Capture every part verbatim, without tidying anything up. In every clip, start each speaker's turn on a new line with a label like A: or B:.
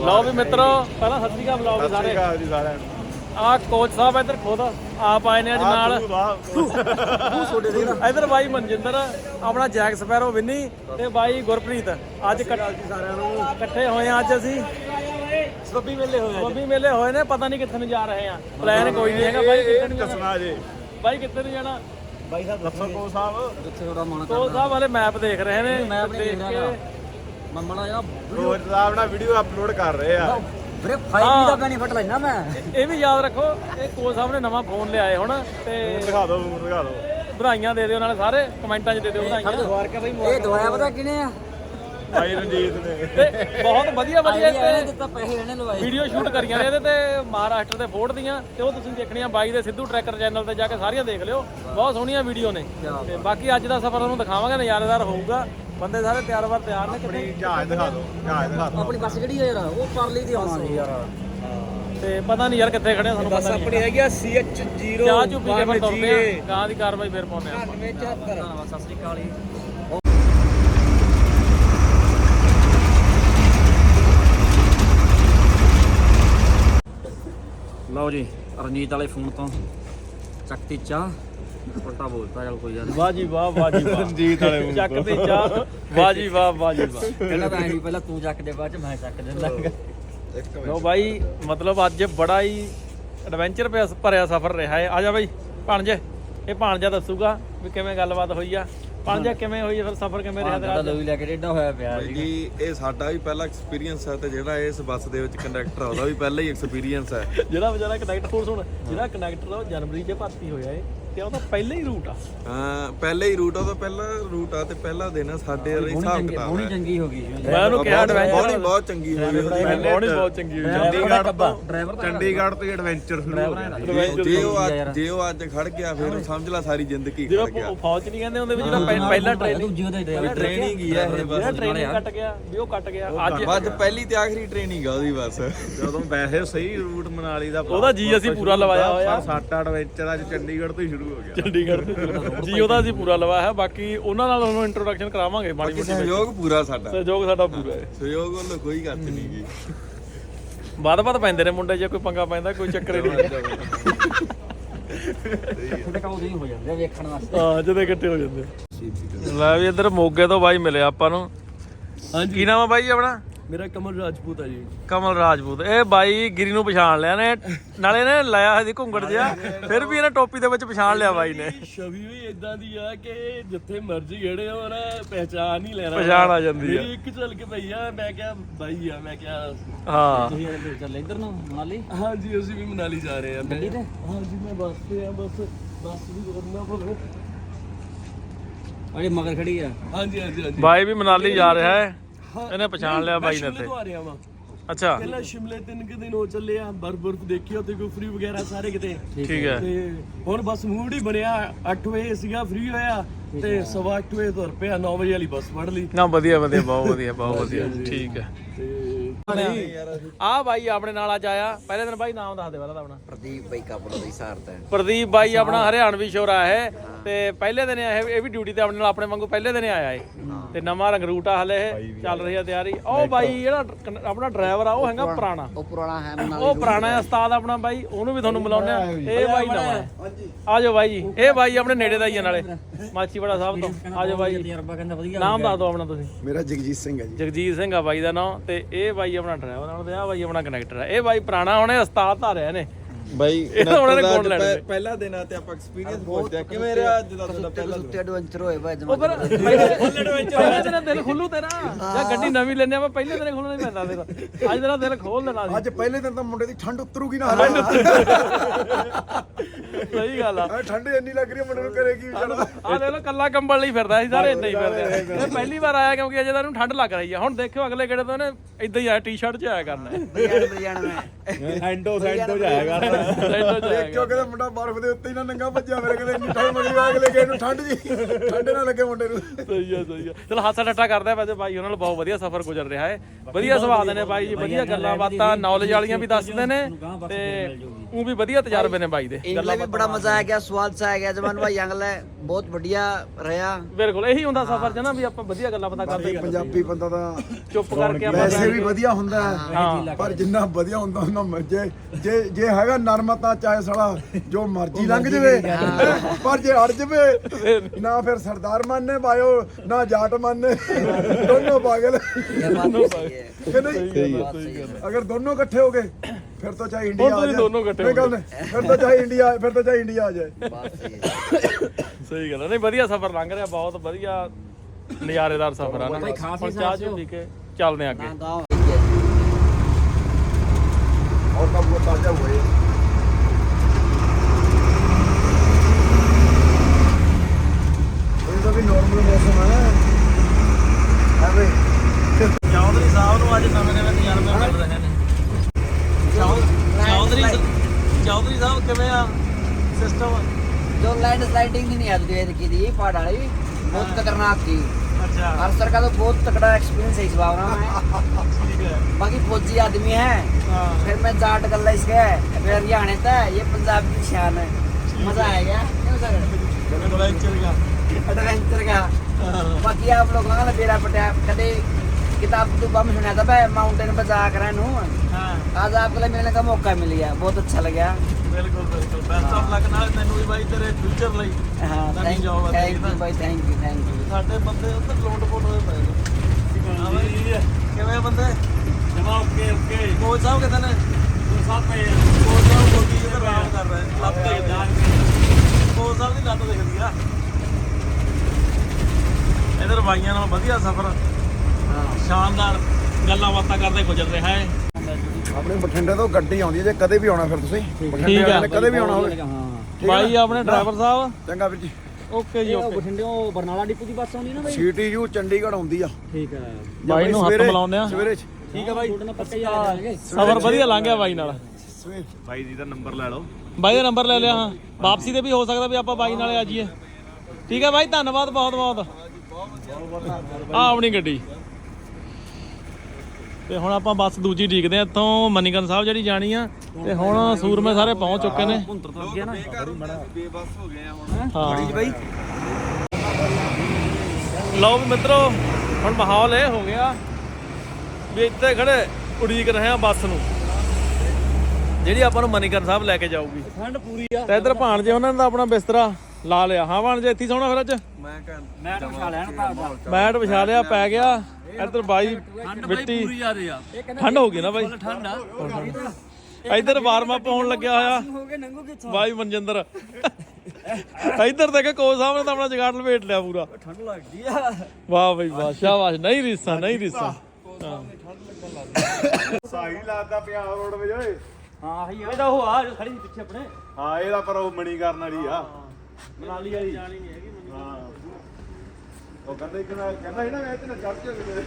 A: ਲਓ ਵੀ ਮਿੱਤਰੋ ਪਹਿਲਾਂ ਸਤਿ ਸ਼੍ਰੀ ਅਕਾਲ ਬੁਲਾਓ ਸਾਰੇ
B: ਜੀ ਸਾਰਿਆਂ ਨੂੰ।
A: ਆ ਕੋਚ ਸਾਹਿਬ ਇੱਧਰ ਖੁਦ ਆਪ ਆਏ ਨੇ ਅੱਜ ਨਾਲ। ਇੱਧਰ ਬਾਈ ਮਨਜਿੰਦਰ, ਆਪਣਾ ਜੈਕ ਸਪੈਰੋ ਵਿੰਨੀ ਤੇ ਬਾਈ ਗੁਰਪ੍ਰੀਤ। ਅੱਜ ਸਾਰਿਆਂ ਨੂੰ ਇਕੱਠੇ ਹੋਏ ਆ। ਅੱਜ ਅਸੀਂ ਸੱਬੀ ਮੇਲੇ ਹੋਏ ਸੱਬੀ ਮੇਲੇ ਹੋਏ ਨੇ। ਪਤਾ ਨਹੀਂ ਕਿੱਥੇ ਨੂੰ ਜਾ ਰਹੇ ਆ, ਪਲਾਨ ਕੋਈ ਨਹੀਂ ਹੈਗਾ ਬਾਈ। ਕਿੱਥੇ ਨੂੰ
B: ਦੱਸਣਾ ਜੀ
A: ਬਾਈ, ਕਿੱਥੇ ਨੂੰ ਜਾਣਾ
B: ਬਾਈ ਸਾਹਿਬ? ਦੱਸੋ ਕੋਚ ਸਾਹਿਬ।
C: ਜਿੱਥੇ ਥੋੜਾ ਮਨ
A: ਕੋਚ ਸਾਹਿਬ ਵਾਲੇ ਮੈਪ ਦੇਖ ਰਹੇ ਨੇ।
C: ਮੈਪ
A: ਦੇਖ ਕੇ
C: ਮੰਮਣਾ ਜਾਂ
B: ਕੋਚ ਸਾਹਿਬ ਨਾਲ ਵੀਡੀਓ ਅਪਲੋਡ ਕਰ ਰਹੇ ਆ।
C: ਵੀਰੇ ਫਾਈਵ ਜੀ ਦਾ ਬੈਨੀਫਿਟ ਲੈਣਾ ਮੈਂ।
A: ਇਹ ਵੀ ਯਾਦ ਰੱਖੋ, ਇਹ ਕੋਚ ਸਾਹਿਬ ਨੇ ਨਵਾਂ ਫੋਨ ਲਿਆਏ ਹੁਣ ਤੇ
B: ਦਿਖਾ ਦਿਓ ਦਿਖਾ ਦਿਓ
A: ਵਧਾਈਆਂ ਦੇ ਦਿਓ ਨਾਲੇ ਸਾਰੇ ਕਮੈਂਟਾਂ 'ਚ ਦੇ ਦਿਓ ਵਧਾਈਆਂ।
C: ਇਹ ਦਵਾਇਆ ਪਤਾ ਕਿਨੇ ਆ?
B: ਬਾਈ ਰਣਜੀਤ ਨੇ।
A: ਤੇ ਬਹੁਤ ਵਧੀਆ ਵਧੀਆ
C: ਇਹਨੇ ਦਿੱਤਾ ਪੈਸੇ ਇਹਨੇ ਲਵਾਏ।
A: ਵੀਡੀਓ ਸ਼ੂਟ ਕਰੀਆਂ ਨੇ ਇਹਦੇ ਤੇ ਮਹਾਰਾਸ਼ਟਰ ਦੇ ਫੋਰਟ ਦੀਆਂ, ਤੇ ਉਹ ਤੁਸੀਂ ਦੇਖਣੀਆਂ ਬਾਈ ਦੇ ਸਿੱਧੂ ਟਰੈਕਰ ਚੈਨਲ ਤੇ ਜਾ ਕੇ ਸਾਰੀਆਂ ਦੇਖ ਲਿਓ। ਬਹੁਤ ਸੋਹਣੀਆਂ ਵੀਡੀਓ ਨੇ। ਤੇ ਬਾਕੀ ਅੱਜ ਦਾ ਸਫ਼ਰ ਤੁਹਾਨੂੰ ਦਿਖਾਵਾਂਗੇ, ਨਜ਼ਾਰੇਦਾਰ ਹੋਊਗਾ। ਬੰਦੇ ਸਾਰੇ ਤਿਆਰ ਵਾਰ ਤਿਆਰ ਨੇ।
B: ਆਪਣੀ ਜਹਾਜ਼ ਦਿਖਾ ਦਿਓ, ਜਹਾਜ਼ ਦਿਖਾ ਦਿਓ।
C: ਆਪਣੀ ਬੱਸ ਕਿਹੜੀ ਆ ਯਾਰ? ਉਹ ਪਰਲੀ ਦੀ ਆਉਣੀ ਯਾਰ।
A: ਤੇ ਪਤਾ ਨਹੀਂ ਯਾਰ ਕਿੱਥੇ ਖੜੇ ਆ, ਸਾਨੂੰ ਪਤਾ ਨਹੀਂ।
D: ਆਪਣੀ ਹੈਗੀ ਆ ਸੀ ਐਚ ਜ਼ੀਰੋ
A: ਚਾਹ ਚੁੱਪ ਕੇ ਫਿਰ ਤੁਰਦੇ ਆ, ਗਾਂ ਦੀ ਕਾਰਵਾਈ ਫਿਰ ਪਾਉਂਦੇ ਆ।
C: ਧੰਨਵਾਦ, ਸਤਿ ਸ੍ਰੀ ਅਕਾਲ ਜੀ। ਲਓ ਜੀ, ਰਣਜੀਤ ਵਾਲੇ ਫੋਨ ਤੋਂ ਚੱਕਤੀ ਚਾਹ, ਉਲਟਾ ਬੋਲਤਾ। ਚੱਲ ਕੋਈ ਗੱਲ
A: ਵਾਹ ਜੀ ਵਾਹ, ਵਾਹ ਜੀ ਵਾਹ।
B: ਰਣਜੀਤ ਵਾਲੇ
A: ਚੱਕ ਤੇ ਚਾਹ, ਵਾਹ ਜੀ ਵਾਹ, ਵਾਹ ਜੀ ਵਾਹ।
C: ਪਹਿਲਾਂ ਤਾਂ ਐਂ ਪਹਿਲਾਂ ਤੂੰ ਚੱਕ ਦੇ, ਬਾਅਦ ਚ ਮੈਂ ਚੱਕ ਦਿੰਦਾ।
A: ਲੋ ਬਾਈ, ਮਤਲਬ ਅੱਜ ਬੜਾ ਹੀ ਐਡਵੈਂਚਰ ਭਰਿਆ ਸਫ਼ਰ ਰਿਹਾ ਹੈ। ਆ ਜਾ ਬਾਈ ਭਾਣਜੇ, ਇਹ ਭਾਣਜਾ ਦੱਸੂਗਾ ਵੀ ਕਿਵੇਂ ਗੱਲਬਾਤ ਹੋਈ ਆ। ਭਾਣਜਾ ਕਿਵੇਂ ਹੋਈ ਫਿਰ ਸਫ਼ਰ, ਕਿਵੇਂ ਰਿਹਾ ਤੇਰਾ?
C: ਲੋਈ ਲੈ ਕੇ ਡੇਡਾ ਹੋਇਆ ਪਿਆ
E: ਜੀ। ਇਹ ਸਾਡਾ ਵੀ ਪਹਿਲਾ ਐਕਸਪੀਰੀਅੰਸ ਹੈ ਤੇ ਜਿਹੜਾ ਇਸ ਬੱਸ ਦੇ ਵਿੱਚ ਕੰਡਕਟਰ ਆ ਉਹਦਾ ਵੀ ਪਹਿਲਾ ਹੀ ਐਕਸਪੀਰੀਅੰਸ ਹੈ।
A: ਜਿਹੜਾ ਵਿਚਾਰਾ ਕੰਡਕਟਰ ਫੋਰਸ ਹੁਣ ਜਿਹੜਾ ਕੰਡਕਟਰ ਉਹ ਜਨਵਰੀ 'ਚ ਭਰਤੀ ਹੋਇਆ ਏ ਤੇ ਉਹਦਾ ਪਹਿਲਾ ਹੀ ਰੂਟ ਆ।
E: ਹਾਂ, ਪਹਿਲੇ ਹੀ ਰੂਟ ਆ, ਉਹਦਾ ਪਹਿਲਾ ਰੂਟ ਆ ਤੇ ਪਹਿਲਾ ਦਿਨ ਆ ਸਾਡੇ ਵਾਲੇ ਹਿਸਾਬ ਕਿਤਾਬ
C: ਬੋਣੀ
E: ਹੈ।
C: ਚੰਗੀ ਹੋ ਗਈ।
A: ਮੈਂ ਉਹਨੂੰ ਕਿਹਾ ਐਡਵੈਂਚਰ
E: ਬੋਣੀ ਬਹੁਤ ਚੰਗੀ ਹੋਈ ਉਹਦੀ।
A: ਬੋਣੀ ਬਹੁਤ ਚੰਗੀ ਹੋਈ।
E: ਚੰਡੀਗੜ੍ਹ ਤੋਂ
C: ਡਰਾਈਵਰ
E: ਚੰਡੀਗੜ੍ਹ ਤੋਂ ਐਡਵੈਂਚਰ ਸ਼ੁਰੂ ਹੋ ਗਿਆ। ਜੇ ਉਹ ਅੱਜ ਜੇ ਉਹ ਅੱਜ ਖੜ ਗਿਆ ਫਿਰ ਉਹ ਸਮਝ ਲੈ ਸਾਰੀ ਜ਼ਿੰਦਗੀ ਖੜ
A: ਜਿਹੜਾ
E: ਗਿਆ।
A: ਉਹ ਫੌਜ 'ਚ ਨਹੀਂ ਕਹਿੰਦੇ ਹੁੰਦੇ ਵੀ ਜਿਹੜਾ ਪਹਿ- ਪਹਿਲਾ ਟ੍ਰੇਨਿੰਗ
C: ਦੂਜੀ ਉਹਦਾ ਡਰਾਈਵਰ
E: ਟ੍ਰੇਨਿੰਗ ਹੀ ਹੈ ਇਹ
A: ਜਿਹੜਾ
E: ਬਸ।
A: ਟ੍ਰੇਨਿੰਗ ਕੱਟ ਗਿਆ ਵੀ ਉਹ ਕੱਟ ਗਿਆ ਅੱਜ।
E: ਅੱਜ ਪਹਿਲੀ ਤੇ ਆਖਰੀ ਟ੍ਰੇਨਿੰਗ ਆ ਉਹਦੀ ਬਸ।
B: ਜਦੋਂ ਵੈਸੇ ਸਹੀ ਰੂਟ ਮਨਾਲੀ ਦਾ
A: ਉਹਦਾ ਜੀ ਅਸੀਂ ਪੂਰਾ ਲਵਾਇਆ ਹੋਇਆ।
B: ਪਰ ਸਾਡਾ ਐਡਵੈਂਚਰ ਅੱਜ ਚੰਡੀਗੜ੍ਹ ਤੋਂ ਹੀ ਸ਼ੁਰੂ ਹੋ ਗਿਆ।
A: ਚੰਡੀਗੜ੍ਹ ਜੀ ਉਹਦਾ ਅਸੀਂ ਪੂਰਾ ਲਵਾਇਆ ਹੈ। ਬਾਕੀ ਉਹਨਾਂ ਨਾਲ ਉਹਨੂੰ ਇੰਟਰੋਡਕਸ਼ਨ ਕਰਾਵਾਂਗੇ ਮਾੜੀ ਮੋਟੀ।
E: ਸਹਿਯੋਗ ਪੂਰਾ ਸਾਡਾ,
A: ਸਹਿਯੋਗ ਸਾਡਾ ਪੂਰਾ ਹੈ।
E: ਸਹਿਯੋਗ ਵੱਲੋਂ ਕੋਈ ਗੱਲ ਨਹੀਂ ਗੀ।
A: ਵੱਧ ਵੱਧ ਪੈਂਦੇ ਨੇ ਮੁੰਡੇ, ਜੇ ਕੋਈ ਪੰਗਾ ਪੈਂਦਾ ਕੋਈ ਚੱਕਰ ਹੀ ਨਹੀਂ।
C: ਥੋੜੇ ਕੰਮ ਨਹੀਂ ਹੋ ਜਾਂਦੇ ਵੇਖਣ ਵਾਸਤੇ।
A: ਹਾਂ, ਜਦੋਂ ਇਕੱਠੇ ਹੋ ਜਾਂਦੇ। ਲੈ ਵੀ ਇੱਧਰ ਮੋਗੇ ਤੋਂ ਬਾਈ ਮਿਲਿਆ ਆਪਾਂ ਨੂੰ।
D: ਹਾਂਜੀ,
A: ਕੀ ਨਾਮ ਆ ਬਾਈ ਆਪਣਾ?
D: ਮੇਰਾ ਕਮਲ ਰਾਜਪੂਤ ਆ ਜੀ।
A: ਕਮਲ ਰਾਜਪੂਤ। ਇਹ ਬਾਈ ਗਿਰੀ ਨੂੰ ਪਛਾਣ ਲਿਆ ਨੇ, ਨਾਲੇ ਨੇ ਲਾਇਆ ਸੀ ਘੁੰਗੜ ਜਿਹਾ, ਫਿਰ ਵੀ ਇਹਨੇ ਟੋਪੀ ਦੇ ਵਿੱਚ ਪਛਾਣ ਲਿਆ ਬਾਈ ਨੇ।
D: ਛਵੀ ਵੀ ਇਦਾਂ ਦੀ ਆ ਕਿ ਜਿੱਥੇ ਮਰਜ਼ੀ ਖੜੇ ਹੋ ਨਾ ਪਹਿਚਾਨ ਹੀ ਲੈਣਾ।
A: ਪਛਾਣ ਆ ਜਾਂਦੀ ਆ।
D: ਮੇਰੀ ਇੱਕ ਚੱਲ ਕੇ ਭਈਆ, ਮੈਂ ਕਿਹਾ ਬਾਈ ਆ, ਮੈਂ ਕਿਹਾ
A: ਹਾਂ,
C: ਤੁਸੀਂ ਚੱਲ ਇੱਧਰ ਨੂੰ ਮਨਾਲੀ।
D: ਹਾਂਜੀ ਅਸੀਂ ਵੀ ਮਨਾਲੀ ਜਾ ਰਹੇ ਆ।
C: ਗੱਡੀ ਤੇ?
D: ਹਾਂਜੀ ਮੈਂ ਬੱਸ ਤੇ ਆ। ਬਸ ਬੱਸ ਵੀ ਕਰਨਾ ਪਵੇ।
C: ਅਰੇ ਮਗਰ ਖੜੀ ਆ।
D: ਹਾਂਜੀ ਹਾਂਜੀ ਹਾਂਜੀ।
A: ਬਾਈ ਵੀ ਮਨਾਲੀ ਜਾ ਰਿਹਾ ਹੈ। ਇਹਨੇ ਪਛਾਣ ਲਿਆ ਬਾਈ ਨੇ
D: ਤੇ
A: ਤੇ।
D: ਆ ਰਿਹਾ ਵਾਂ।
A: ਅੱਛਾ,
D: ਪਹਿਲਾਂ ਸ਼ਿਮਲੇ ਤਿੰਨ ਕੁ ਦਿਨ ਹੋ ਚੱਲੇ ਆ, ਬਰਫ ਬਰਫ ਦੇਖੀ ਉੱਥੇ ਕੋਈ ਫ੍ਰੀ ਵਗੈਰਾ ਸਾਰੇ ਕਿਤੇ।
A: ਠੀਕ ਹੈ।
D: ਤੇ ਹੁਣ ਬਸ ਮੂਡ ਹੀ ਬਣਿਆ। ਅੱਠ ਵਜੇ ਸੀਗਾ ਫ੍ਰੀ ਹੋਇਆ ਤੇ ਸਵਾ ਅੱਠ ਵਜੇ ਤੁਰ ਪਿਆ। ਨੌ ਵਜੇ ਵਾਲੀ ਬੱਸ ਫੜ ਲਈ।
A: ਨਾ ਵਧੀਆ ਵਧੀਆ, ਬਹੁਤ ਵਧੀਆ ਬਹੁਤ ਵਧੀਆ। ਠੀਕ ਹੈ।
D: ਤੇ
A: ਆ ਬਾਈ ਆਪਣੇ ਨਾਲ ਅੱਜ ਆਇਆ। ਪਹਿਲੇ ਦਿਨ ਬਾਈ ਨਾਮ ਦੱਸ ਦੇ ਪਹਿਲਾਂ ਤਾਂ ਆਪਣਾ।
C: ਪ੍ਰਦੀਪ ਬਾਈ ਕਾਬਲ ਦੀ ਸਾਰਤਾ।
A: ਪ੍ਰਦੀਪ ਬਾਈ ਆਪਣਾ ਹਰਿਆਣਵੀ ਸ਼ੋਰਾ ਹੈ ਤੇ ਪਹਿਲੇ ਦਿਨ ਇਹ ਇਹ ਵੀ ਡਿਊਟੀ ਤੇ ਆਪਣੇ ਨਾਲ ਆਪਣੇ ਵਾਂਗੂ ਪਹਿਲੇ ਦਿਨ ਆਇਆ ਏ। ਤੇ ਨਵਾਂ ਰੰਗਰੂਟ ਆ ਹਲੇ ਇਹ ਚੱਲ ਰਹੀ ਆ ਤਿਆਰੀ। ਉਹ ਬਾਈ ਜਿਹੜਾ ਕ- ਆਪਣਾ ਡਰਾਈਵਰ ਆ ਉਹ ਹੈਗਾ ਪੁਰਾਣਾ।
C: ਉਹ ਪੁਰਾਣਾ ਹੈ ਮਨਾਲੀ।
A: ਉਹ ਪੁਰਾਣਾ ਹੈ ਉਸਤਾਦ ਆਪਣਾ ਬਾਈ, ਉਹਨੂੰ ਵੀ ਤੁਹਾਨੂੰ ਮਿਲਾਉਂਦੇ ਆ। ਇਹ ਬਾਈ ਨਵਾਂ ਹੈ। ਆ ਜਾਓ ਬਾਈ ਜੀ। ਇਹ ਬਾਈ ਆਪਣੇ ਨੇੜੇ ਦਾ ਹੀ ਆ, ਨਾਲੇ ਮਾਚੀਵਾੜਾ ਸਾਹਿਬ ਤੋਂ। ਆ ਜਾਓ ਬਾਈ।
C: ਤਜਰਬਾ ਕਹਿੰਦਾ ਵਧੀਆ।
A: ਨਾਮ ਦੱਸ ਦਿਓ ਆਪਣਾ ਤੁਸੀਂ।
B: ਮੇਰਾ ਜਗਜੀਤ ਸਿੰਘ ਹੈ ਜੀ।
A: ਜਗਜੀਤ ਸਿੰਘ ਆ ਬਾਈ ਦਾ ਨਾਮ। ਤੇ ਇਹ ਬਾਈ ਆਪਣਾ ਡਰਾਈਵਰ ਨਾਲ ਤੇ ਆ ਬਾਈ ਆਪਣਾ ਕਨੈਕਟਰ ਆ। ਇਹ ਬਾਈ ਪੁਰਾਣਾ ਉਹਨੇ ਉਸਤਾਦ ਧਾਰਿਆ ਨੇ
E: ਬਾਈ
A: ਇਹ ਤਾਂ ਉਹਨਾਂ ਨੇ ਗੁਣ ਲੈਣੇ ਨੇ।
E: ਪਹਿਲਾ ਦਿਨ ਆ ਤੇ ਆਪਾਂ ਐਕਸਪੀਰੀਅੰਸ ਪੁੱਛਦੇ ਆ ਕਿਵੇਂ ਰਿਹਾ ਅੱਜ ਦਾ ਤੁਹਾਡਾ ਪਹਿਲਾ ਦਿਨ।
C: ਐਡਵੈਂਚਰ ਹੋਏ ਭਾਈ
A: ਉਹ ਫਿਰ ਪਹਿਲੇ ਦਿਨ ਦਿਲ ਖੁੱਲੂ ਤੇਰਾ। ਜਾਂ ਗੱਡੀ ਨਵੀਂ ਲੈਣੇ ਆ, ਮੈਂ ਪਹਿਲੇ ਦਿਨ ਖੋਲਣਾ ਨਹੀਂ ਪੈਂਦਾ ਤੇਰਾ। ਅੱਜ ਤੇਰਾ ਦਿਲ ਖੋਲ ਦੇਣਾ ਸੀ।
B: ਅੱਜ ਪਹਿਲੇ ਦਿਨ ਤਾਂ ਮੁੰਡੇ ਦੀ ਠੰਡ ਉਤਰੂਗੀ ਨਾ ਹਲੇ।
A: ਸਹੀ ਗੱਲ ਆ।
B: ਠੰਡ ਇੰਨੀ ਲੱਗ ਰਹੀ ਹੈ ਮੁੰਡੇ ਨੂੰ ਕਰੇਗੀ ਵਿਚਾਰਾ।
A: ਆ ਦੇਖ ਲੋ ਕੱਲਾ ਕੰਬਲ ਲਈ ਫਿਰਦਾ ਸੀ, ਸਾਰੇ ਇੰਨਾ ਹੀ ਫਿਰਦੇ ਆ। ਇਹ ਪਹਿਲੀ ਵਾਰ ਆਇਆ ਕਿਉਂਕਿ ਅਜੇ ਤਾਂ ਇਹਨੂੰ ਠੰਡ ਲੱਗ ਰਹੀ ਆ। ਹੁਣ ਦੇਖਿਓ ਅਗਲੇ ਗੇੜੇ ਤੋਂ ਇਹਨੇ ਇਦਾਂ ਹੀ ਆਇਆ ਟੀ-ਸ਼ਰਟ 'ਚ ਆਇਆ ਕਰਨਾ ਹੈ।
C: ਬਜਾਣ ਬਜਾਣ ਮੈਂ
B: ਸੈਂਡੋ ਸੈਂਡੋ ਜਾਇਆ ਕਰਦਾ।
A: ਟਰੈਂਡੋ ਚ ਆਇਆ
B: ਦੇਖਿਓ ਕਿਤੇ ਮੁੰਡਾ ਬਰਫ਼ ਦੇ ਉੱਤੇ ਹੀ ਨਾ ਨੰਗਾ ਭੱਜਿਆ ਮੇਰੇ ਕਹਿੰਦੇ ਇੰਨੀ ਠੰਡ ਬਣੀ ਆ ਅਗਲੇ ਗਏ ਨੂੰ ਠੰਡ ਜੀ ਠੰਡ ਨਾ ਲੱਗੇ ਮੁੰਡੇ ਨੂੰ
A: ਸਹੀ ਆ ਸਹੀ ਆ ਚਲ ਹਾਸਾ ਟੱਟਾ ਕਰਦੇ ਆ ਵੈਸੇ ਬਾਈ ਉਹਨਾਂ ਨਾਲ ਬਹੁਤ ਵਧੀਆ ਸਫ਼ਰ ਗੁਜ਼ਰ ਰਿਹਾ ਹੈ ਵਧੀਆ ਸੁਭਾਅ ਦੇ ਨੇ ਬਾਈ ਜੀ ਵਧੀਆ ਗੱਲਾਂ ਬਾਤਾਂ ਨੌਲੇਜ ਵਾਲੀਆਂ ਵੀ ਦੱਸਦੇ ਨੇ ਤੇ ਉਹ ਵੀ ਵਧੀਆ ਤਜਰਬੇ ਨੇ ਬਾਈ ਦੇ
F: इंग्लिश भी बड़ा मजा आ गया स्वाद सा आ गया जमान भाई अंगल है बहुत बढ़िया रहा
A: ਬਿਲਕੁਲ ਇਹੀ ਹੁੰਦਾ ਸਫ਼ਰ 'ਚ ਨਾ ਵੀ ਆਪਾਂ ਵਧੀਆ ਗੱਲਾਂ ਪਤਾ ਕਰਦੇ
B: ਪੰਜਾਬੀ ਬੰਦਾ ਤਾਂ
A: ਚੁੱਪ ਕਰਕੇ ਆਪਾਂ
B: ਵੈਸੇ ਵੀ ਵਧੀਆ ਹੁੰਦਾ ਹੈ
A: ਹਾਂ
B: ਪਰ ਜਿੰਨਾ ਵਧੀਆ ਹੁੰਦਾ ਉਹਨਾਂ ਜੇ ਜੇ ਜੇ ਹੈਗਾ ਨਰਮਾ ਤਾਂ ਚਾਹੇ ਸਾਲਾ ਜੋ ਮਰਜ਼ੀ ਲੰਘ ਜਵੇ ਪਰ ਜੇ ਅੜ ਜਵੇ ਨਾ ਫਿਰ ਸਰਦਾਰ ਮੰਨੇ ਬਾਇਓ ਨਾ ਜਾਟ ਮੰਨੇ ਦੋਨੋਂ ਪਾਗਲ
F: ये बात तो सही है
B: ਕਿ ਨਹੀਂ ਅਗਰ ਦੋਨੋਂ ਇਕੱਠੇ ਹੋ ਗਏ ਫਿਰ ਤਾਂ ਚਾਹੇ ਇੰਡੀਆ ਆ
A: ਤੁਸੀਂ
B: ਜਾਏ
A: ਦੋਨੋਂ ਇਕੱਠੇ
B: ਨਹੀਂ ਗੱਲ ਨਹੀਂ, ਫਿਰ ਤਾਂ ਚਾਹੇ ਇੰਡੀਆ ਫਿਰ ਤਾਂ ਚਾਹੇ ਇੰਡੀਆ ਆ ਜਾਏ
F: बात सही है
A: ਸਹੀ ਗੱਲ ਹੈ ਨਹੀਂ ਵਧੀਆ ਸਫ਼ਰ ਲੰਘ ਰਿਹਾ ਬਹੁਤ ਵਧੀਆ ਨਜ਼ਾਰੇਦਾਰ ਸਫ਼ਰ ਆ ਨਾ ਹੁਣ ਚਾਹ ਚੂਹ ਪੀ ਕੇ ਚੱਲਦੇ ਆ ਅੱਗੇ
F: गाँव
B: और कब वो ताजा हुए ये तो भी नॉर्मल मौसम है है भाई
A: ਚੌਧਰੀ ਸਾਹਿਬ ਨੂੰ ਅੱਜ ਨਵੇਂ ਨਵੇਂ ਤਜਰਬੇ ਮਿਲ ਰਹੇ ਨੇ ਚੌਧਰੀ ਚੌਧਰੀ ਸਾਹਿਬ ਕਿਵੇਂ ਆ ਸਿਸਟਮ
F: जो लैंड स्लाइडिंग भी नहीं आती थी की थी पहाड़ वाली बहुत खतरनाक थी
A: ਅੱਛਾ
F: हर का तो बहुत तगड़ा एक्सपीरियंस है इस बार में
A: ਠੀਕ ਹੈ
F: बाकी फौजी आदमी है
A: ਹਾਂ
F: फिर मैं जाट कर ला इसके फिर हरियाणा था ये पंजाब की शान है मजा आएगा क्यों सर
A: एडवेंचर का
F: एडवेंचर का बाकी आप लोगों का बेड़ा पटा कदे किताब तो बम सुना था भाई माउंटेन पर जा कर
A: ਹਾਂ
F: आज आपके लिए मिलने का मौका मिल गया बहुत अच्छा लगा
A: ਬਿਲਕੁਲ ਬਿਲकुल ਬੈਸਟ ਆਫ ਲੱਕ ਨਾਲ ਤੈਨੂੰ ਵੀ ਬਾਈ ਤੇਰੇ ਫਿਊਚਰ ਲਈ
F: हाँ
A: नवी
F: थैंक
A: job है,
F: थैंक
A: ठीक है
F: यू भाई थैंक यू थैंक यू
A: ਸਾਡੇ ਬੰਦੇ ਉੱਧਰ ਲੋਟ ਪੋਟ ਹੋਏ ਪਏ ਨੇ ਹਾਂ ਬਾਈ ਕਿਵੇਂ ਆ ਬੰਦੇ ਜਮਾ ਓਕੇ ਓਕੇ ਕੋਚ ਸਾਹਿਬ ਕਿਦਾਂ ਨੇ ਕੋਚ ਸਾਹਿਬ ਪਏ ਕੋਚ ਸਾਹਿਬ ਗੋਦੀ ਤੇ ਆਰਾਮ ਕਰ ਰਹੇ ਲੱਤ ਤੇ ਜਾਣ ਕੇ ਕੋਚ ਸਾਹਿਬ ਦੀ ਲੱਤ ਦਿਖਦੀ ਆ ਇਧਰ ਬਾਈਆਂ ਨਾਲ ਵਧੀਆ ਸਫ਼ਰ ਸ਼ਾਨਦਾਰ ਗੱਲਾਂ ਬਾਤਾਂ ਕਰਦੇ ਗੁਜ਼ਰ ਰਿਹਾ ਹੈ
B: ਆਪਣੇ ਬਠਿੰਡੇ ਤੋਂ ਗੱਡੀ ਆਉਂਦੀ ਹੈ ਜੇ ਕਦੇ ਵੀ ਆਉਣਾ ਫਿਰ ਤੁਸੀਂ ਬਠਿੰਡੇ
A: ਠੀਕ ਆ।
B: ਵਾਲੇ ਨੇ ਕਦੇ ਵੀ ਆਉਣਾ ਹੋਵੇ
A: ਬਾਈ ਆਪਣੇ ਡਰਾਈਵਰ ਸਾਹਿਬ
B: ਚੰਗਾ ਵੀਰ ਜੀ
A: ਓਕੇ ਜੀ ਓਕੇ
C: ਬਠਿੰਡਿਓਂ ਬਰਨਾਲਾ ਡਿਪੂ ਦੀ ਬੱਸ ਆਉਂਦੀ ਨਾ ਬਾਈ
B: ਸੀਟੀਯੂ ਚੰਡੀਗੜ੍ਹ ਆਉਂਦੀ ਆ
C: ਠੀਕ ਹੈ
A: ਬਾਈ ਨੂੰ ਹੱਥ
B: ਸਵੇਰੇ-
A: ਮਿਲਾਉਂਦੇ ਆ
B: ਸਵੇਰੇ
C: ਠੀਕ ਹੈ ਬਾਈ ਤੁਹਾਡੇ ਨਾਲ ਪੱਕਾ ਹੀ ਆ ਜਾਵਾਂਗੇ
A: ਸਫ਼ਰ ਵਧੀਆ ਲੰਘ ਗਿਆ ਬਾਈ ਨਾਲ
B: ਸਵੇਰੇ
E: ਬਾਈ ਜੀ ਦਾ ਨੰਬਰ ਲੈ ਲਓ
A: ਬਾਈ ਦਾ ਨੰਬਰ ਲੈ ਲਿਆ ਹਾਂ ਵਾਪਸੀ ਤੇ ਵੀ ਹੋ ਸਕਦਾ ਵੀ ਆਪਾਂ ਬਾਈ ਨਾਲੇ ਆ ਜਾਈਏ ਠੀਕ ਹੈ ਬਾਈ ਧੰਨਵਾਦ ਬਹੁਤ ਬਹੁਤ ਆ ਆਪਣੀ ਗੱਡੀ ਤੇ ਹੁਣ ਆਪਾਂ ਬੱਸ ਦੂਜੀ ਢੀਕਦੇ ਆ ਇੱਥੋਂ ਮਨੀਕਰਨ ਸਾਹਿਬ ਜਿਹੜੀ ਜਾਣੀ ਆ ਤੇ ਹੁਣ ਸੂਰਮੇ ਸਾਰੇ ਪਹੁੰਚ ਚੁੱਕੇ ਨੇ
C: ਭੁੰਤਰ ਤੋਂ ਅੱਗੇ ਨਾ
E: ਬੇਬਸ ਹੋ ਗਏ ਆ ਹੁਣ
A: ਹਾਂ ਬਾਈ ਲਓ ਵੀ ਮਿੱਤਰੋ ਹੁਣ ਮਾਹੌਲ ਇਹ ਹੋ ਗਿਆ ਵੀ ਇੱਥੇ ਖੜੇ ਉਡੀਕ ਰਹੇ ਆ ਬੱਸ ਨੂੰ ਜਿਹੜੀ ਆਪਾਂ ਨੂੰ ਮਨੀਕਰਨ ਸਾਹਿਬ ਲੈ ਕੇ ਜਾਊਗੀ
C: ਠੰਡ ਪੂਰੀ ਆ
A: ਤੇ ਇੱਧਰ ਭਾਣਜੇ ਉਹਨਾਂ ਨੇ ਤਾਂ ਆਪਣਾ ਬਿਸਤਰਾ ਲਾ ਲਿਆ ਹਾਂ ਭਾਣਜੇ ਇੱਥੇ ਹੀ ਸੌਣਾ ਫਿਰ ਅੱਜ
E: ਮੈਂ ਕਹਿੰ
C: ਮੈਟ ਵਿਛਾ ਲੈਣ ਭਾਵ
A: ਮੈਟ ਵਿਛਾ ਲਿਆ ਪੈ ਗਿਆ ਇੱਧਰ ਬਾਈ ਮਿੱਟੀ
C: ਪੂਰੀ ਆ ਰਹੀ ਆ
A: ਠੰਡ ਹੋ ਗਈ ਨਾ ਬਾਈ
C: ਠੰਡ ਆ
A: ਇੱਧਰ ਵਾਰਮ ਅਪ ਹੋਣ ਲੱਗਿਆ ਹੋਇਆ
C: ਹੋ ਗਏ ਨੰਗੂ ਕਿੱਥੋਂ
A: ਬਾਈ ਮਨਜਿੰਦਰ ਇੱਧਰ ਦੇਖ ਕੋਚ ਸਾਹਿਬ ਨੇ ਤਾਂ ਆਪਣਾ ਜਗਾੜ ਲਪੇਟ ਲਿਆ ਪੂਰਾ
C: ਠੰਡ ਲੱਗਦੀ ਆ
A: ਵਾਹ ਬਈ ਵਾਹ ਸ਼ਾਬਾਸ਼ ਨਹੀਂ ਰੀਸਾਂ ਨਹੀਂ ਰੀਸਾਂ
B: ਸਾਈ ਲਾਦਾ ਪੰਜਾਬ ਰੋਡ ਵਿੱਚ ਓਏ
C: ਹਾਂ ਆਹੀ ਇਹਦਾ ਉਹ ਆ ਜੋ ਖੜੀ ਸੀ ਪਿੱਛੇ ਆਪਣੇ
B: ਹਾਂ ਇਹਦਾ ਪਰ ਉਹ ਮਣੀ ਕਰਨ ਵਾਲੀ ਆ
C: ਮਨਾਲੀ ਵਾਲੀ ਜਾਣੀ ਨਹੀਂ ਹੈਗੀ
B: ਹਾਂ ਉਹ ਕਹਿੰਦੇ ਕਿ ਨਾ ਕਹਿੰਦਾ ਸੀ ਨਾ ਮੈਂ ਤੇ ਨਾ ਚੜ ਕੇ ਕਿਤੇ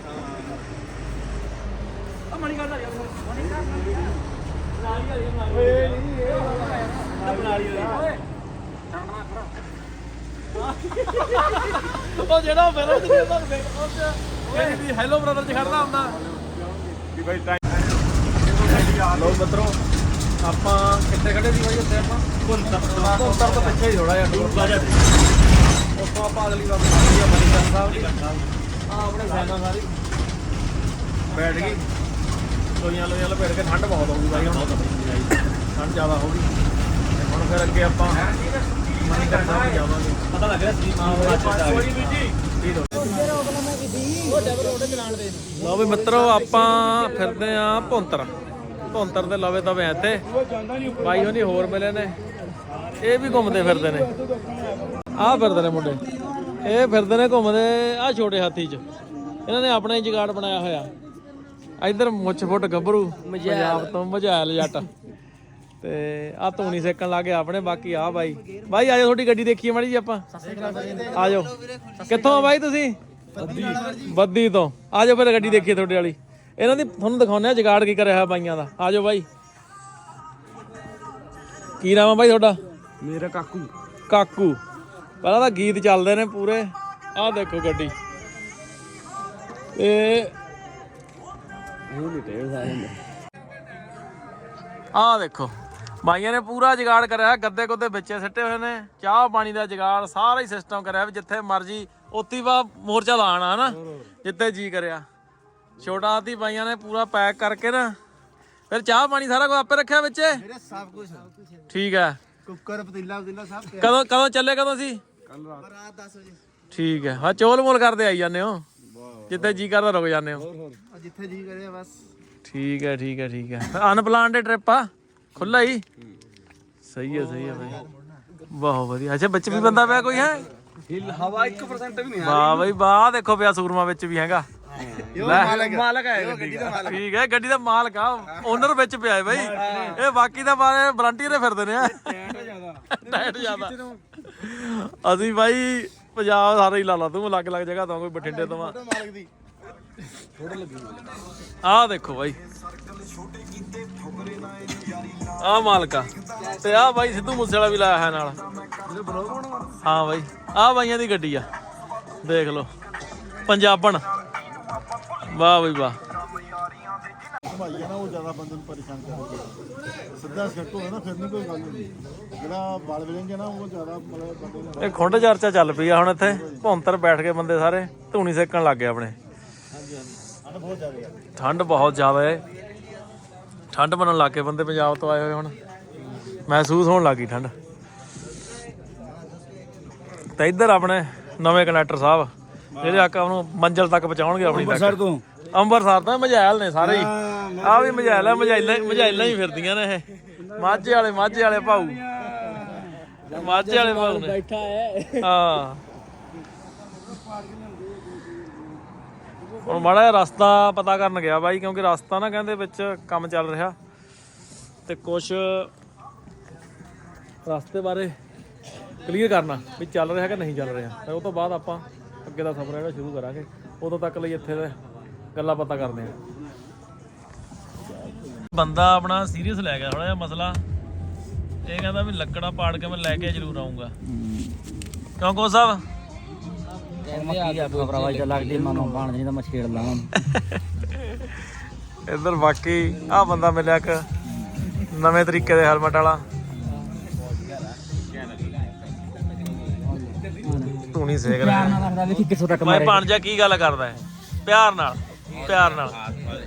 C: ਆ ਮਣੀ ਕਰਦਾ ਯਾਰ ਮਣੀ ਕਰਦਾ ਮਨਾਲੀ ਵਾਲੀ ਮਨਾਲੀ
B: ਓਏ ਨਹੀਂ ਇਹ
C: ਮਨਾਲੀ ਵਾਲੀ ਓਏ
A: ਉਹ ਜਿਹੜਾ ਫਿਲਮ ਚ ਨਹੀਂ ਤੁਹਾਨੂੰ ਵੇਖ ਉਹ ਚ ਇਹ ਵੀ ਹੈਲੋ ਬ੍ਰਦਰ ਚ ਖੜਦਾ ਹੁੰਦਾ
B: ਵੀ ਬਾਈ ਟਾਈਮ
A: ਲੋ ਮਿੱਤਰੋ ਆਪਾਂ ਕਿੱਥੇ ਖੜੇ ਸੀ ਬਾਈ ਉੱਥੇ ਆਪਾਂ ਭੁੰਤਰ ਭੁੰਤਰ ਤੋਂ ਪਿੱਛੇ ਹੀ ਥੋੜਾ ਜਿਹਾ ਦੂਰ ਬਾਜਾ ਉੱਥੋਂ ਆਪਾਂ ਅਗਲੀ ਵਾਰ ਆਉਂਦੀ ਆ ਮਨੀਕਰਨ ਸਾਹਿਬ ਦੀ ਆ ਆਪਣੇ ਸੈਨਾ ਸਾਰੀ ਬੈਠ ਗਈ ਲੋਈਆਂ ਲੋਈਆਂ ਲਪੇਟ ਕੇ ਠੰਡ ਬਹੁਤ ਆਉਂਦੀ ਬਾਈ ਹੁਣ ਠੰਡ ਜ਼ਿਆਦਾ ਹੋ ਗਈ ਤੇ ਹੁਣ ਫਿਰ ਅੱਗੇ ਆਪਾਂ ਮਨੀਕਰਨ ਸਾਹਿਬ ਜਾਵਾਂਗੇ ਪਤਾ ਲੱਗ ਰਿਹਾ ਸੀ ਹਾਂ ਕੋਈ ਵੀ ਜੀ ਲਓ ਵੀ ਮਿੱਤਰੋ ਆਪਾਂ ਫਿਰਦੇ ਆ ਭੁੰਤਰ ਭੁੰਤਰ ਦੇ ਲਵੇ ਤਵੇ ਇੱਥੇ ਬਾਈ ਹੋਣੀ ਹੋਰ ਮਿਲੇ ਨੇ ਇਹ ਵੀ ਘੁੰਮਦੇ ਫਿਰਦੇ ਨੇ ਆਹ ਫਿਰਦੇ ਨੇ ਮੁੰਡੇ ਇਹ ਫਿਰਦੇ ਨੇ ਘੁੰਮਦੇ ਆਹ ਛੋਟੇ ਹਾਥੀ 'ਚ ਇਹਨਾਂ ਨੇ ਆਪਣਾ ਹੀ ਜਗਾੜ ਬਣਾਇਆ ਹੋਇਆ ਇੱਧਰ ਮੁੱਛ ਫੁੱਟ ਗੱਭਰੂ ਪੰਜਾਬ ਤੋਂ ਮਝੈਲ ਜੱਟ ਤੇ ਆ ਧੂਣੀ ਸੇਕਣ ਲੱਗੇ ਆਪਣੇ ਬਾਕੀ ਆ ਬਾਈ ਬਾਈ ਆਜੋ ਤੁਹਾਡੀ ਗੱਡੀ ਦੇਖੀਏ ਮਾੜੀ ਜੀ ਆਪਾਂ ਆਜੋ ਕਿੱਥੋਂ ਆ ਬਾਈ ਤੁਸੀਂ ਬੱਦੀ ਬੱਦੀ ਤੋਂ ਆਜੋ ਫਿਰ ਗੱਡੀ ਦੇਖੀਏ ਤੁਹਾਡੇ ਵਾਲੀ ਇਹਨਾਂ ਦੀ ਤੁਹਾਨੂੰ ਦਿਖਾਉਂਦੇ ਆ ਜਗਾੜ ਕੀ ਕਰਿਆ ਹੋਇਆ ਬਾਈਆਂ ਦਾ ਆਜੋ ਬਾਈ ਕੀ ਨਾਮ ਆ ਬਾਈ ਤੁਹਾਡਾ?
D: ਮੇਰਾ ਕਾਕੂ
A: ਕਾਕੂ। ਪਹਿਲਾਂ ਤਾਂ ਗੀਤ ਚੱਲਦੇ ਨੇ ਪੂਰੇ। ਆਹ ਦੇਖੋ ਗੱਡੀ ਤੇ ਆਹ ਦੇਖੋ ਬਾਈਆਂ ਨੇ ਪੂਰਾ ਜੁਗਾੜ ਕਰਿਆ। ਗੱਦੇ ਗੁੱਦੇ ਵਿੱਚੇ ਸਿੱਟੇ ਹੋਏ ਨੇ, ਚਾਹ ਪਾਣੀ ਦਾ ਜੁਗਾੜ, ਸਾਰਾ ਹੀ ਸਿਸਟਮ ਕਰਿਆ ਵੀ ਜਿੱਥੇ ਮਰਜੀ ਉੱਤੀ ਵਾ ਮੋਰਚਾ ਲਾਣਾ ਹਨਾ, ਜਿੱਥੇ ਜੀ ਕਰਿਆ। ਛੋਟਾ ਹਾਥੀ ਬਾਈਆਂ ਨੇ ਪੂਰਾ ਪੈਕ ਕਰਕੇ ਨਾ, ਫਿਰ ਚਾਹ ਪਾਣੀ ਸਾਰਾ ਕੁਝ ਆਪੇ ਰੱਖਿਆ ਵਿੱਚ।
B: ਮੇਰੇ ਸਭ ਕੁਝ
A: ਠੀਕ ਹੈ।
B: ਕੁੱਕਰ ਪਤੀਲਾ ਪਤੀਲਾ ਸਭ
A: ਕਦੋਂ ਕਦੋਂ ਚੱਲੇ ਕਦੋਂ ਸੀ?
B: ਕੱਲ ਰਾਤ ਦਸ ਵਜੇ।
A: ਠੀਕ ਹੈ। ਹਾਂ ਚੋਲ ਮੋਲ ਕਰਦੇ ਆਈ ਜਾਂਦੇ ਹੋ, ਜਿੱਥੇ ਜੀ ਕਰਦਾ ਰੁਕ ਜਾਂਦੇ ਹੋ।
B: ਜਿੱਥੇ ਜੀ ਕਰੇ ਬਸ।
A: ਠੀਕ ਹੈ ਠੀਕ ਹੈ ਠੀਕ ਹੈ। ਅਨਪਲਾਨ ਦੇ ਟ੍ਰਿਪ ਆ, ਖੁੱਲਾ ਹੀ। ਸਹੀ ਹੈ ਸਹੀ ਹੈ ਬਾਈ, ਬਹੁਤ ਵਧੀਆ। ਅੱਛਾ ਵਿੱਚ ਵੀ ਬੰਦਾ ਪਿਆ ਕੋਈ ਹੈ?
D: ਹਵਾ ਇੱਕ ਪਰਸੈਂਟ ਵੀ ਨਹੀਂ
A: ਵਾਹ ਬਾਈ ਵਾਹ, ਦੇਖੋ ਪਿਆ ਸੂਰਮਾ ਵਿੱਚ ਵੀ ਹੈਗਾ। ਮਾਲਕ ਹੈ ਗੱਡੀ ਦਾ। ਠੀਕ ਹੈ, ਗੱਡੀ ਦਾ ਮਾਲਕ ਆ, ਓਨਰ ਵਿੱਚ ਪਿਆ ਹੈ ਬਾਈ। ਇਹ ਬਾਕੀ ਦਾ ਬਾਰੇ ਵਲੰਟੀਅਰ ਦੇ ਫਿਰਦੇ ਨੇ। ਟਾਇਟ ਜ਼ਿਆਦਾ। ਅਸੀਂ ਬਾਈ ਪੰਜਾਬ ਸਾਰੇ ਹੀ ਲਾ ਲਾ, ਤੂੰ ਅਲੱਗ ਅਲੱਗ ਜਗ੍ਹਾ ਤੋਂ, ਕੋਈ ਬਠਿੰਡੇ ਤੋਂ ਆ। ਆਹ ਦੇਖੋ ਬਾਈ, ਆਹ ਮਾਲਕਾ ਤੇ ਆਹ ਬਾਈ ਸਿੱਧੂ ਮੂਸੇ ਵਾਲਾ ਵੀ ਲਾਇਆ ਹੈ ਨਾਲ। ਹਾਂ ਬਾਈ, ਆਹ ਬਾਈਆਂ ਦੀ ਗੱਡੀ ਆ, ਦੇਖ ਲਓ ਪੰਜਾਬਣ। ਵਾਹ ਬਈ ਵਾਹ।
G: ਭਾਈ ਆ ਨਾ ਉਹ ਜ਼ਿਆਦਾ ਬੰਦੇ ਨੂੰ ਪਰੇਸ਼ਾਨ ਕਰਦਾ। ਸਿੱਧਾ ਸੈੱਟ ਹੋਵੇ ਨਾ ਫਿਰ ਨਹੀਂ ਕੋਈ ਗੱਲ ਨਹੀਂ। ਜਿਹੜਾ ਬਲ ਵਜੇਂਗੇ ਨਾ ਉਹ ਜ਼ਿਆਦਾ ਮਤਲਬ ਬੰਦੇ ਨੂੰ।
A: ਇਹ ਖੁੰਡ ਚਰਚਾ ਚੱਲ ਪਈ ਆ ਹੁਣ ਇੱਥੇ। ਭੌਂਤਰ ਬੈਠ ਕੇ ਬੰਦੇ ਸਾਰੇ ਧੂਣੀ ਸੇਕਣ ਲੱਗ ਗਏ ਆਪਣੇ। ਠੰਡ ਬਹੁਤ ਜ਼ਿਆਦਾ ਹੈ। ਠੰਡ ਬਣਨ ਲੱਗ ਗਏ ਬੰਦੇ ਪੰਜਾਬ ਤੋਂ ਆਏ ਹੋਏ, ਹੁਣ ਮਹਿਸੂਸ ਹੋਣ ਲੱਗ ਗਈ ਠੰਡ। ਤੇ ਇੱਧਰ ਆਪਣੇ ਨਵੇਂ ਕਨੈਕਟਰ ਸਾਹਿਬ ਜਿਹੜੇ ਆਕਾ ਨੂੰ ਮੰਜ਼ਿਲ ਤੱਕ ਪਹੁੰਚਾਉਣਗੇ ਆਪਣੀ ਤੱਕ। ਤੋਂ ਅੰਮ੍ਰਿਤਸਰ ਤੋਂ ਮਝੈਲ ਨੇ ਸਾਰੇ ਹੀ। ਆਹ ਵੀ ਮਝੈਲ ਹੈ, ਮਝੈਲਾਂ ਮਝੈਲਾਂ ਹੀ ਫਿਰਦੀਆਂ ਨੇ ਇਹ। ਮਾਝੇ ਵਾਲੇ ਮਾਝੇ ਵਾਲੇ ਭਾਊ, ਮਾਝੇ ਵਾਲੇ ਭਾਊ ਨੇ ਬੈਠਾ ਹੈ। ਹਾਂ ਹੁਣ ਮਾੜਾ ਜਿਹਾ ਰਸਤਾ ਪਤਾ ਕਰਨ ਗਿਆ ਬਾਈ, ਕਿਉਂਕਿ ਰਸਤਾ ਨਾ ਕਹਿੰਦੇ ਵਿੱਚ ਕੰਮ ਚੱਲ ਰਿਹਾ ਤੇ ਕੁਛ ਰਸਤੇ ਬਾਰੇ ਕਲੀਅਰ ਕਰਨਾ ਵੀ ਚੱਲ ਰਿਹਾ ਕਿ ਨਹੀਂ ਚੱਲ ਰਿਹਾ। ਤੇ ਉਹ ਤੋਂ ਬਾਅਦ ਆਪਾਂ ਅੱਗੇ ਦਾ ਸਫ਼ਰ ਜਿਹੜਾ ਸ਼ੁਰੂ ਕਰਾਂਗੇ। ਉਦੋਂ ਤੱਕ ਲਈ ਇੱਥੇ ਦੇ ਗੱਲਾਂ ਪਤਾ ਕਰਦੇ ਆ। ਬੰਦਾ ਆਪਣਾ ਸੀਰੀਅਸ ਲੈ ਗਿਆ ਥੋੜਾ ਜਿਹਾ ਮਸਲਾ। ਇਹ ਕਹਿੰਦਾ ਵੀ ਲੱਕੜਾਂ ਪਾੜ ਕੇ ਮੈਂ ਲੈ ਕੇ ਜ਼ਰੂਰ ਆਉਂਗਾ। ਕਿਉਂ ਕੋ ਸਾਹਿਬ? ਇੱਧਰ ਬਾਕੀ ਆਹ ਬੰਦਾ ਮਿਲਿਆ ਇੱਕ ਨਵੇਂ ਤਰੀਕੇ ਦੇ ਹੈਲਮਟ ਵਾਲਾ, ਧੂਣੀ ਸੇਕ ਰਿਹਾ। ਮੈਂ ਬਣ ਜਾ ਕੀ ਗੱਲ ਕਰਦਾ ਹੈ, ਪਿਆਰ ਨਾਲ ਪਿਆਰ ਨਾਲ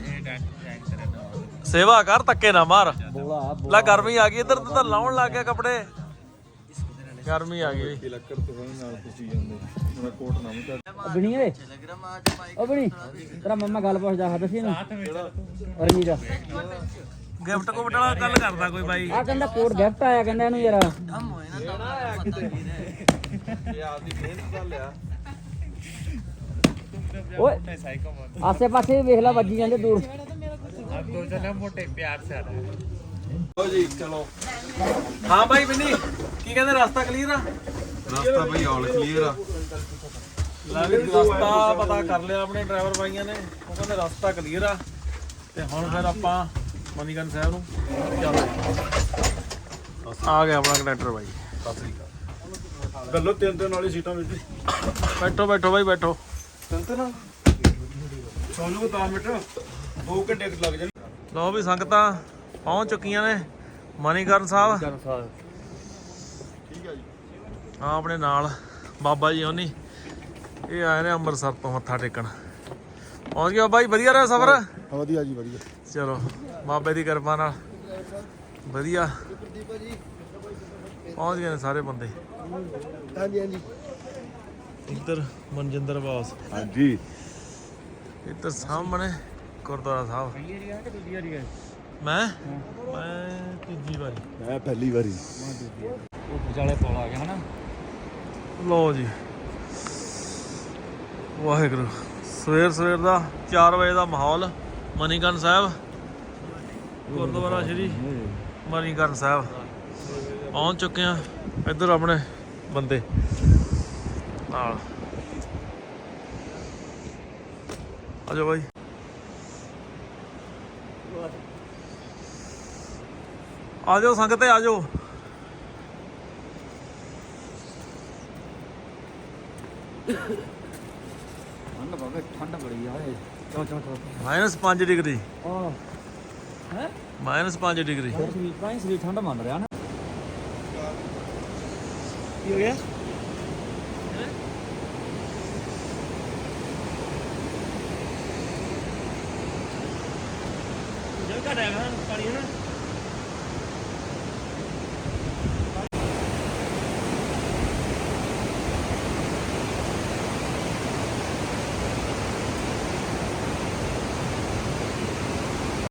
A: ਸੇਵਾ ਕਰ, ਧੱਕੇ ਨਾ ਮਾਰ। ਲੈ ਗਰਮੀ ਆ ਗਈ, ਇੱਧਰ ਤਾਂ ਲਾਉਣ ਲੱਗ ਗਿਆ ਕੱਪੜੇ। ਗਰਮੀ ਆ ਗਈ
F: ਬਣੀ ਓਏ ਓ ਬਣੀ ਤੇਰਾ ਮੰਮਾ ਗੱਲ ਪੁੱਛਦਾ ਹਾਂ ਦੱਸੀ ਨੂੰ ਰਣੀ ਦਾ
A: ਗਿਫਟ ਕੋਟ ਵਾਲਾ ਗੱਲ ਕਰਦਾ ਕੋਈ ਬਾਈ।
F: ਆ ਕਹਿੰਦਾ ਕੋਟ ਗਿਫਟ ਆਇਆ ਕਹਿੰਦਾ ਇਹਨੂੰ ਯਾਰ। ਓਏ ਆਸੇ ਪਾਸੇ ਵੇਖ ਲੈ, ਵੱਜੀ ਜਾਂਦੇ ਦੂਰ।
A: ਹਾਂ ਬਾਈ ਬਿੰਨੀ ਕੀ ਕਹਿੰਦੇ, ਰਸਤਾ ਕਲੀਅਰ ਆ?
E: ਰਸਤਾ ਬਈ ਆਲ ਕਲੀਅਰ ਆ।
A: ਲੈ ਵੀ ਰਸਤਾ ਪਤਾ ਕਰ ਲਿਆ ਆਪਣੇ ਡਰਾਈਵਰ ਬਾਈਆਂ ਨੇ, ਉਹ ਕਹਿੰਦੇ ਰਸਤਾ ਕਲੀਅਰ ਆ। ਤੇ ਹੁਣ ਫਿਰ ਆਪਾਂ ਮਨੀਕਰਨ ਸਾਹਿਬ ਨੂੰ ਚੱਲਦੇ ਆ। ਗਿਆ ਆਪਣਾ ਕੰਡਕਟਰ ਬਾਈ।
G: ਗੱਲੋ ਤਿੰਨ ਤਿੰਨ ਵਾਲੀ ਸੀਟਾਂ ਵਿੱਚ।
A: ਬੈਠੋ ਬੈਠੋ ਬਾਈ ਬੈਠੋ।
G: ਤਿੰਨ ਤਿੰਨ ਸੋਨੂੰ ਕੋ ਦਸ ਮਿੰਟ ਦੋ ਘੰਟੇ ਲੱਗ ਜਾਣ।
A: ਲਓ ਵੀ ਸੰਗਤਾਂ ਪਹੁੰਚ ਚੁੱਕੀਆਂ ਨੇ ਮਨੀਕਰਨ ਸਾਹਿਬ।
G: ਠੀਕ ਹੈ ਜੀ।
A: ਆ ਆਪਣੇ ਨਾਲ ਬਾਬਾ ਜੀ ਹੋਣੀ, ਇਹ ਆਏ ਨੇ ਅੰਮ੍ਰਿਤਸਰ ਤੋਂ ਮੱਥਾ ਟੇਕਣ। ਪਹੁੰਚ ਗਿਆ ਬਾਈ, ਵਧੀਆ ਰਿਹਾ ਸਫ਼ਰ?
G: ਵਧੀਆ ਜੀ ਵਧੀਆ।
A: ਚਲੋ ਬਾਬੇ ਦੀ ਕਿਰਪਾ ਨਾਲ ਵਧੀਆ ਪਹੁੰਚ ਗਏ ਨੇ ਸਾਰੇ ਬੰਦੇ।
G: ਹਾਂਜੀ ਹਾਂਜੀ
A: ਇੱਧਰ ਮਨਜਿੰਦਰ ਬਾਸ,
G: ਹਾਂਜੀ।
A: ਇੱਧਰ ਸਾਹਮਣੇ ਗੁਰਦੁਆਰਾ ਸਾਹਿਬ। ਮੈਂ ਮੈਂ ਤੀਜੀ ਵਾਰੀ।
G: ਮੈਂ ਪਹਿਲੀ ਵਾਰੀ।
C: ਉਹ ਵਿਚਾਲੇ ਪੁਲ ਆ ਗਿਆ ਹਨਾ।
A: ਲਓ ਜੀ ਵਾਹਿਗੁਰੂ। ਸਵੇਰ ਸਵੇਰ ਦਾ ਚਾਰ ਵਜੇ ਦਾ ਮਾਹੌਲ ਮਨੀਕਰਨ ਸਾਹਿਬ, ਗੁਰਦੁਆਰਾ ਸ਼੍ਰੀ ਮਨੀਕਰਨ ਸਾਹਿਬ ਪਹੁੰਚ ਚੁੱਕੇ ਆ। ਇੱਧਰ ਆਪਣੇ ਬੰਦੇ ਨਾਲ ਆ ਜਾਓ ਬਾਈ। ਆ ਜਾਓ ਸੰਗਤੇ, ਆ ਜਾਓ
C: ਠੰਡ ਬਾਬੇ ਠੰਡ ਬੜੀ ਆ ਏ ਚੋ ਚੋ ਚੋ
A: ਮਾਈਨਸ ਪੰਜ ਡਿਗਰੀ
C: ਆ ਹੈ
A: ਮਾਈਨਸ ਪੰਜ ਡਿਗਰੀ
C: ਫਿਰ ਸਰੀਰ ਤਾਂ ਹੀ ਸਰੀਰ ਠੰਡ ਮੰਨ ਰਿਹਾ ਨਾ
D: ਕੀ ਹੋ ਗਿਆ ਜਲ ਘਟਿਆ ਖਾਣ ਪਾਣੀ ਹੈ ਨਾ